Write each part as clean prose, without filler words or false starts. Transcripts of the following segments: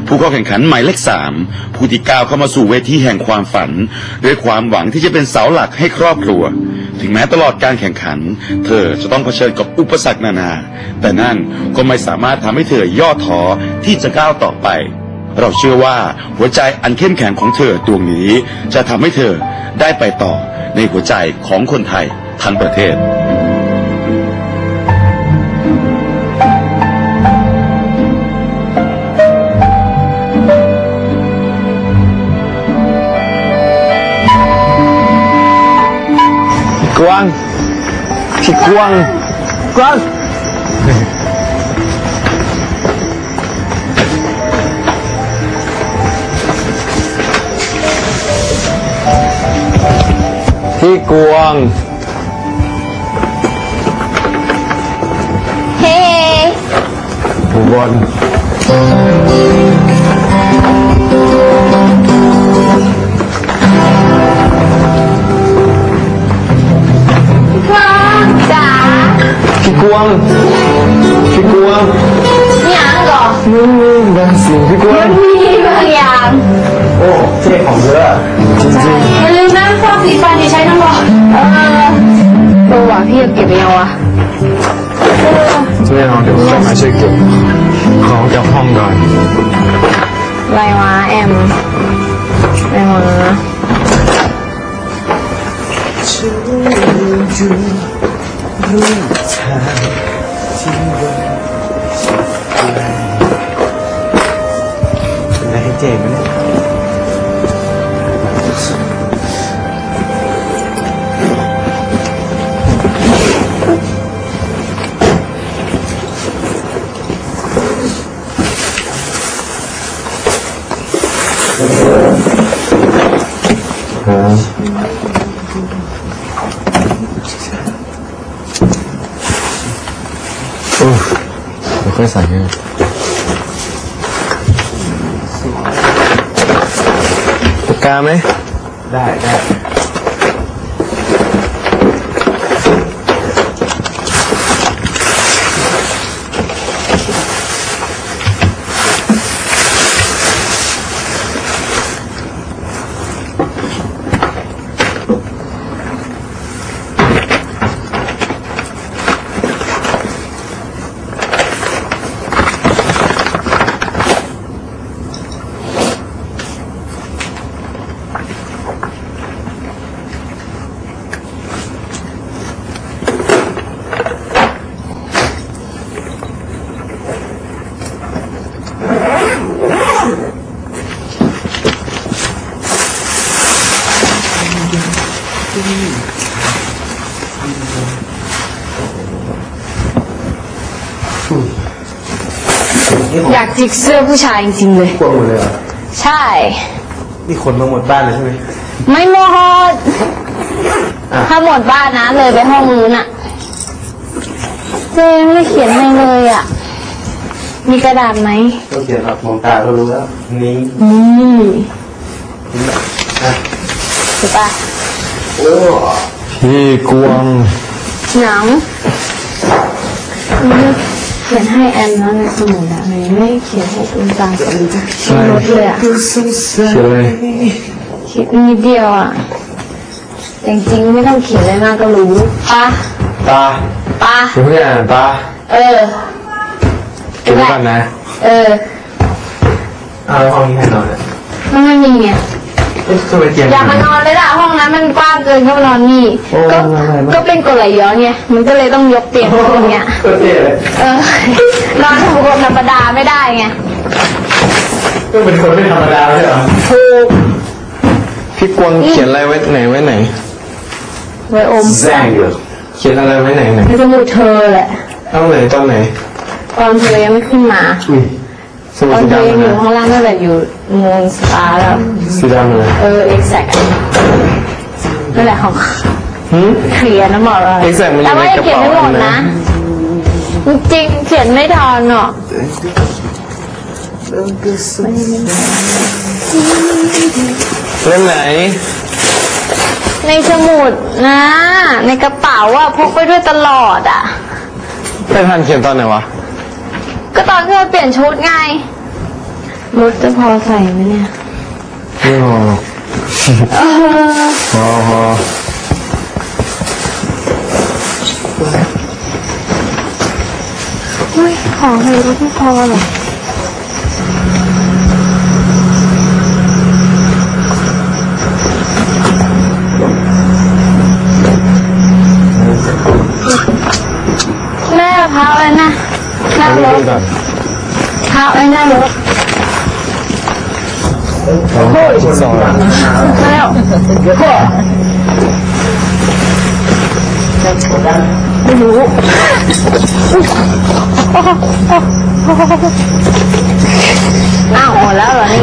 ผู้เข้าแข่งขันหมายเลข3ผู้ที่ก้าวเข้ามาสู่เวทีแห่งความฝันด้วยความหวังที่จะเป็นเสาหลักให้ครอบครัวถึงแม้ตลอดการแข่งขันเธอจะต้องเผชิญกับอุปสรรคนานาแต่นั่นก็ไม่สามารถทำให้เธอย่อท้อที่จะก้าวต่อไปเราเชื่อว่าหัวใจอันเข้มแข็งของเธอดวงนี้จะทำให้เธอได้ไปต่อในหัวใจของคนไทยทั้งประเทศกวางพี่กวางกวางพี่กวางเฮ้ผู้บอลพี่กวางพี่กวางยังก่อนมันมีบางสิ่งพี่กวางมีบางอย่างโอ้เท่ของเยอะจริงๆอย่าลืมนะพวกสีฟันที่ใช้ทั้งหมดตัวว่ะพี่จะเก็บไปยังวะไม่เอาเดี๋ยวต้องมาช่วยเก็บของจากห้องก่อนไรวะแอมไรวะรู้ทางที่ว่าเป็นอะไรให้เจ๊ไหมเนี่ยไม่ค่อยใส่เลยปากกาไหมได้อยากจิกเสื้อผู้ชายจริงๆเลยกลัวหมดเลยเหรอใช่นี่ขนมาหมดบ้านเลยใช่ไหมไม่หมดถ้าหมดบ้านนะเลยไปห้องนู้นอ่ะเจมไม่เขียนให้เลยอ่ะมีกระดาษไหมต้องเขียนครับมองตาก็รู้แล้วนี่ถูกปะโอ้พี่กวางหนังเขียนให้แอนนะในสมุดอะไม่เขียนให้คุณตาสลีชี้รถเลยอะเขียนเลยเขียนนิดเดียวอะจริงๆไม่ต้องเขียนเลยนะก็รู้ตาคุณพี่อ่านตาเก็บไว้ก่อนนะเอาห้องนี้ให้นอนเนี่ยมันไม่มีไงอย่ามานอนเลยล่ะห้องนั้นมันกว้างเกินเข้ามานอนนี่ก็เป็นกฎไหลย้อนไงมันก็เลยต้องยกเตียงอย่างเงี้ยนอนทุกคนธรรมดาไม่ได้ไงก็เป็นคนไม่ธรรมดาใช่เหรอถูกพี่กวางเขียนอะไรไว้ไหนไว้อมแซงเขียนอะไรไว้ไหนในสมุดเธอแหละตอนไหนตอนเธอยังไม่ขึ้นมาตอนเธออยู่ข้างล่างนั่นแหละอยู่เมืองสตาร์แล้วสีดำเลย exact นั่นแหละของเขียนนะบอกเลยแต่ว่าเขียนไม่หมดนะจริงเขียนไม่ทันหรอกเล่มไหนในสมุดนะในกระเป๋าอะพกไปด้วยตลอดอะไม่ทันเขียนตอนไหนวะก็ตอนที่เราเปลี่ยนชุดไงรถจะพอใส่ไหมเนี่ยไม่พอหรอกพอเฮ้ยของในรถไม่พอหรอแม่พาไว้นะหน้ารถพาไว้หน้ารถโอ้ยสองแล้วไม่รู้อ้าวหมดแล้วเหรอนี่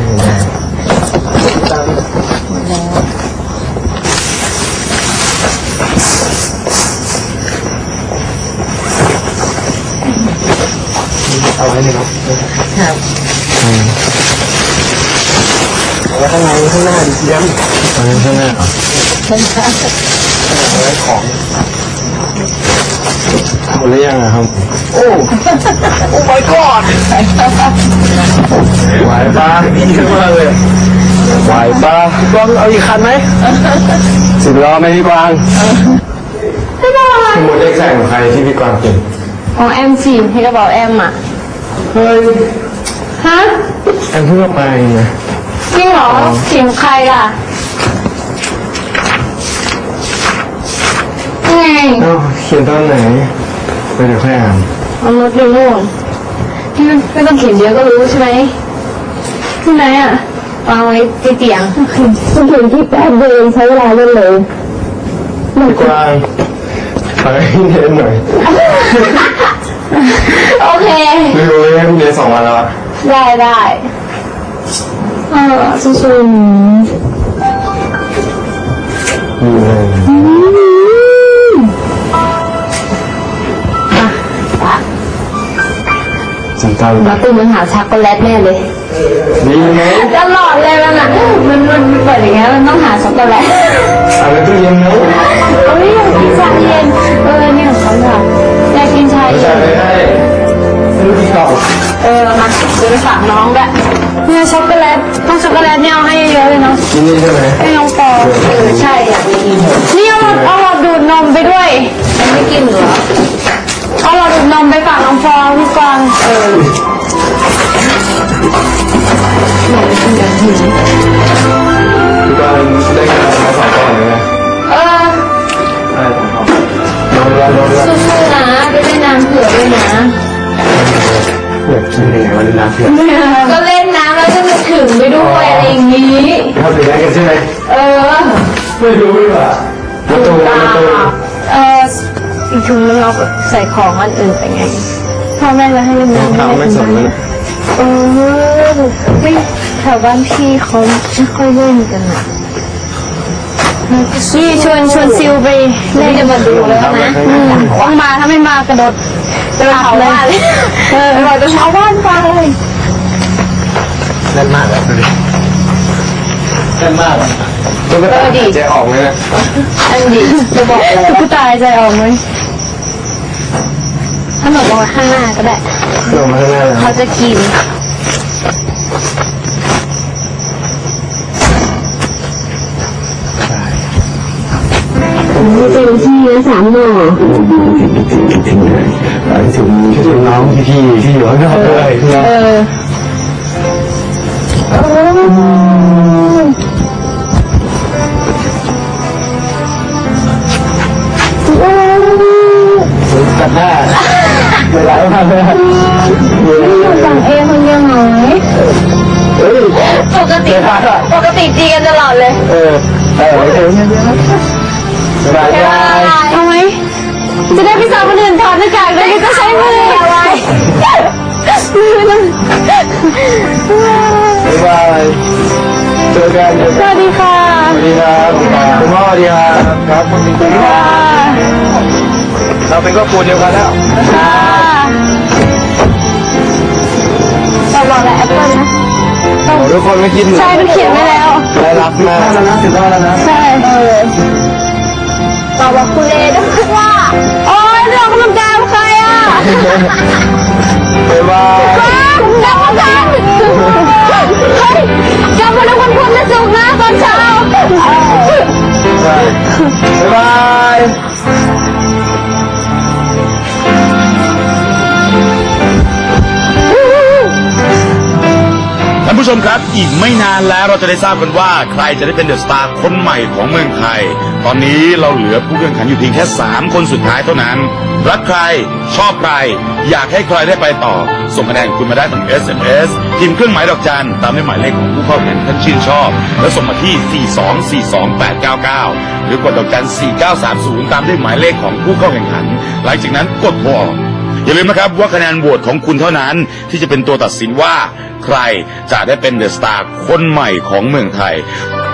เอาไว้ในรถแล้วข้างในข้างหน้าดิเยี่ยมข้างหน้าเหรอเอาไว้ของหมดหรือยังอะครับโอ้ my god ไหวปะดีมากเลยไหวปะพี่กวางเอาอีกคันไหม10 ล้อไหมพี่กวางสมุดเลขแข่งของใครที่พี่กวางเก่งของแอมสิให้กระเป๋าแอมอ่ะเฮ้ยฮะแอมเพิ่งไปไงจริงเหรอเสียงใครล่ะไงเขียนตอนไหนไปเดี๋ยวค่อยอ่านเอารถเร็วนู่นที่ไม่ต้องเขียนเยอะก็รู้ใช่ไหมที่ไหนอ่ะวางไว้ที่เตียงคุณเขียนที่แป๊บเดียวใช้เวลาเล่นเลยพี่กวางขอให้เรียนหน่อยโอเคไม่รู้เลยพี่เรียน2 วันแล้วได้สู้จำตามมาตู้มันหาช็อกโกแลตแน่เลยนี่ไงตลอดเลยมันอ่ะมันเปิดอย่างเงี้ยมันต้องหาช็อกโกแลตอะไรตู้เย็นเนาะเอ้ยอยากกินชาเย็นนี่ของเขาค่ะอยากกินชาเย็นไม่รู้ที่เก่ามาเดี๋ยวไปฝากน้องด้วยเนี่ยช็อกโกแลตต้องช็อกโกแลตเนี่ยเอาให้เยอะเลยเนาะกินนี่ใช่ไหมให้น้องปอใช่อยากกินนี่เอาหลอดดูดนมไปด้วยไม่กินเหรอเอาหลอดดูดนมไปฝากน้องฟองพี่กวางพี่กวางได้งานมา2 ก่อนเลยนะสู้ๆนะไปเล่นน้ำเผื่อด้วยนะอยากกินยังไงวันน้ำเผื่อก็เล่นน้ำแล้วจะมาถึงไปด้วยอะไรอย่างนี้ทำอย่างไรกันใช่ไหมไม่รู้เลยว่ะประตูอีกถุงนึงเราใส่ของอันอื่นไปไงพ่อแม่จะให้เล่นน้ำไม่สนเลยไม่แถวบ้านพี่เขาไม่ค่อยเล่นกันนะนี่ชวนซิวไปเล่นจะมาดูแล้วนะว่างมาถ้าไม่มากระโดดจะไปเผาบ้านเลยบอกจะเผาบ้านไปเลยเล่นมากเลยดูดิเล่นมากตุ๊กตาใจออกเลยนะอันดีจะบอกเลยตุ๊กตาใจออกไหมถ้าหนูบอกข้างหน้าก็ได้เขาจะกินเต็มที่นะ3 หน่อถึงน้องพี่ที่อยู่ข้างนอกเลยกัดหน้าเวลาไม่ทันเลยสั่งเองคนเดียวหน่อยปกติตีกันตลอดเลยสบายใจเอาไหมจะได้พี่สาวคนอื่นถอดหน้ากากได้ก็ใช้มือเอาไว้บ๊ายบายเจอกันสวัสดีค่ะสวัสดีครับคุณพ่อสวัสดีครับครับคุณพ่อเราเป็นครอบครัวเดียวกันแล้วค่ะเราบอกแล้วแอปเปิ้ลนะทุกคนไม่คิดเหมือนใช่มันเขียนไว้แล้วได้รับมากแล้วนะ10 รอบแล้วนะใช่บอกคุณเลด้วยว่าโอ๊ยเรื่องกำลังใจใครอ่ะบ๊ายบายกลับมากันเฮ้ยกลับมาแล้ววันพุธและศุกร์นะตอนเช้าบ๊ายบายท่านผู้ชมครับอีกไม่นานแล้วเราจะได้ทราบกันว่าใครจะได้เป็นเดอะสตาร์คนใหม่ของเมืองไทยตอนนี้เราเหลือผู้แข่งขันอยู่เพียงแค่3คนสุดท้ายเท่านั้นรักใครชอบใครอยากให้ใครได้ไปต่อส่งคะแนนคุณมาได้ทาง SMS พิมพ์เครื่องหมายดอกจันตามด้วยหมายเลขของผู้เข้าแข่งขันชื่นชอบแล้วส่งมาที่ 4242899หรือกดดอกจัน4930ตามด้วยหมายเลขของผู้เข้าแข่งขันหลังจากนั้นกดโทรออกอย่าลืมนะครับว่าคะแนนโหวตของคุณเท่านั้นที่จะเป็นตัวตัดสินว่าใครจะได้เป็นเดอะสตาร์คนใหม่ของเมืองไทย